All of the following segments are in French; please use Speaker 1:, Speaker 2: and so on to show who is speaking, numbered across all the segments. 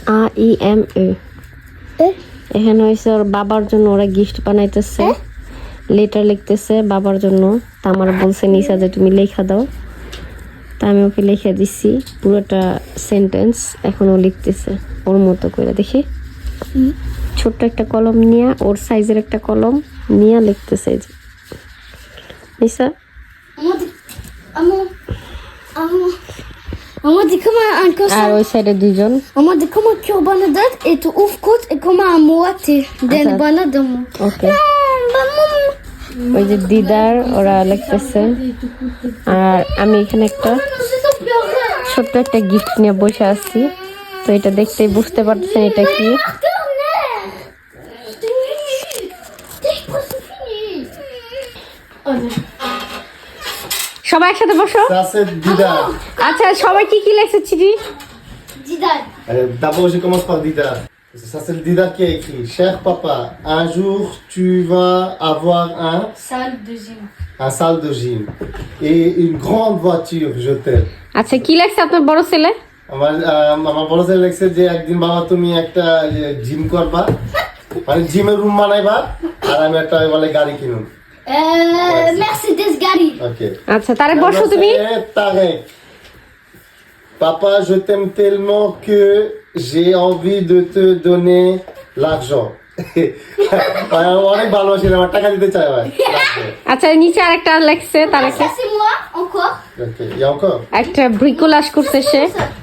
Speaker 1: AIME এখানে হয়েছে ওর বাবার জন্য ওরা গিফট বানাইতেছে লেটার লিখতেছে বাবার জন্য তা আমার বলছে নিসা যে তুমি লেখা দাও তা আমি ওকে লিখে দিচ্ছি পুরোটা সেন্টেন্স এখন ও লিখতেছে ওর মতো করে দেখি ছোট্ট একটা কলম নিয়ে ওর সাইজের একটা কলম নিয়ে লিখতেছে যে নিসা আর ওই সাইডে দুইজন
Speaker 2: Maman, comment tu as banane et tu ouvres côte et comment à moitié d'une banane de moi.
Speaker 1: ওকে ওই যে দিদার ওরা লিখতেছে আর আমি এখানে একটা ছোট্ট একটা গিফট নিয়ে বসে আছি তো এটা দেখতেই বুঝতে পারতেছেন এটা কি সবাই একসাথে বসো
Speaker 3: Ça, c'est Dida.
Speaker 1: আচ্ছা সবাই কি কি লেখছে চিঠি
Speaker 2: Didal.
Speaker 3: D'abord, je commence par Dida. Ça, c'est le Dida qui a écrit. Cher papa, un jour, tu vas avoir
Speaker 2: Salle de gym.
Speaker 3: un salle de gym et une grande voiture, je t'aime.
Speaker 1: আচ্ছা কি লেখছে আপনার বড় ছেলে
Speaker 3: আমার বড় ছেলে লেখছে যে একদিন বাবা তুমি একটা জিম করবা মানে জিমের রুম বানাইবা আর আমি একটা বলে গাড়ি কিনুন
Speaker 2: Mercedes Gary.
Speaker 3: ওকে
Speaker 1: আচ্ছা তারে বসো তুমি
Speaker 3: Tarek. Papa, je t'aime tellement que j'ai envie de te donner l'argent. অনেক ভালোবাসি আমার টাকা দিতে চাই ভাই
Speaker 1: আচ্ছা নিচে আরেকটা লেখছে তারে
Speaker 2: Ça, c'est moi, encore.
Speaker 3: Okay il y a encore
Speaker 1: একটা ব্রিকোলাজ করছে সে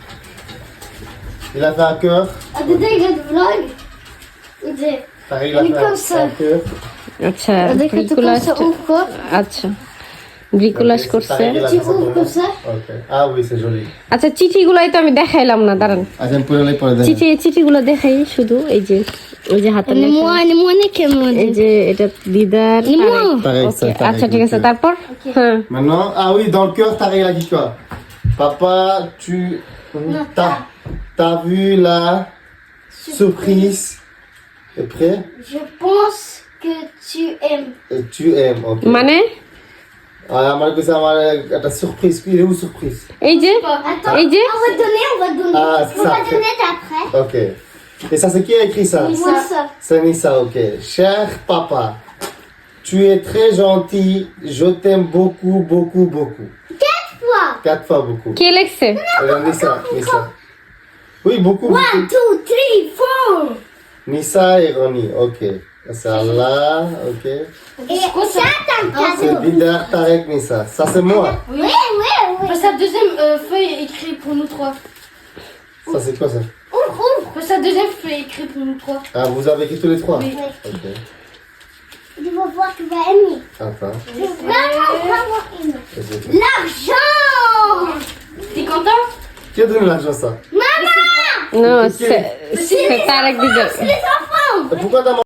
Speaker 3: il a fait un cœur
Speaker 2: Ah, Dida, il a de vlog. Dida.
Speaker 3: Tarek, il a
Speaker 2: Elle est
Speaker 3: fait
Speaker 2: comme ça.
Speaker 3: un cœur
Speaker 1: আচ্ছা
Speaker 2: Dès que tu comme
Speaker 1: ব্রিকোলাজ
Speaker 2: ça, ouvre quoi.
Speaker 1: আচ্ছা ব্রিকোলাজ
Speaker 3: Ok,
Speaker 1: করছে
Speaker 3: Tarek, il a
Speaker 2: Tu
Speaker 3: fait ça
Speaker 2: ouvres comme ça.
Speaker 3: Ok. Ah oui, c'est joli.
Speaker 1: আচ্ছা চিঠিগুলাই তো আমি দেখাইলাম না দাঁড়ান
Speaker 3: আচ্ছা আমি পুরোটাই পরে দেখ
Speaker 1: চিঠিগুলো দেখাই শুধু এই যে হাতে লেখা
Speaker 2: Moi, que moi.
Speaker 1: এই যে এটা দিদার
Speaker 3: Tarek,
Speaker 1: ওকে
Speaker 3: ça, Tarek,
Speaker 1: আচ্ছা ঠিক আছে
Speaker 3: ok.
Speaker 1: তারপর হ্যাঁ
Speaker 3: Maintenant, ah oui, dans le cœur, Tarek, il a dit quoi? Papa, tu t'as vu la surprise? Et prêt?
Speaker 2: Je pense que tu aimes.
Speaker 3: Et tu aimes, ok.
Speaker 1: মানে
Speaker 3: আমার কাছে আমার একটা surprise, il est où surprise?
Speaker 1: এই যে
Speaker 2: Attends,
Speaker 1: এই যে
Speaker 2: on va donner.
Speaker 3: Ah,
Speaker 2: On
Speaker 3: ça.
Speaker 2: va donner après.
Speaker 3: Ok. Et ça, c'est qui a écrit ça?
Speaker 2: Moi, ça.
Speaker 3: C'est Nissa, ok. Cher papa, tu es très gentil, je t'aime beaucoup, beaucoup, beaucoup.
Speaker 2: Quoi?
Speaker 3: 4 fois beaucoup.
Speaker 1: কে লেখছে
Speaker 3: Nissa, Nissa. Oui, beaucoup, beaucoup.
Speaker 2: 1, 2, 3, 4.
Speaker 3: Nissa et Ronnie, ok. C'est Allah, ok.
Speaker 2: Et ça, t'as un
Speaker 3: C'est
Speaker 2: cadeau.
Speaker 3: Bida, Tarek, Nissa. Ça, c'est moi.
Speaker 2: Oui.
Speaker 4: Sa deuxième feuille est écrite pour nous trois.
Speaker 3: Ça, c'est quoi ça?
Speaker 4: Sa deuxième feuille est écrite pour nous trois.
Speaker 3: Ah, vous avez écrit tous les 3?
Speaker 4: Oui.
Speaker 3: Ok.
Speaker 2: Tu vas voir, tu vas aimer.
Speaker 3: Enfin.
Speaker 2: Tu vas vraiment aimer.
Speaker 3: Et c'est tout.
Speaker 2: L'argent.
Speaker 4: T'es content?
Speaker 3: Qui a donné l'argent, ça?
Speaker 1: No, c'est Tarek Dida.
Speaker 2: Les enfants.
Speaker 3: Et pourquoi t'as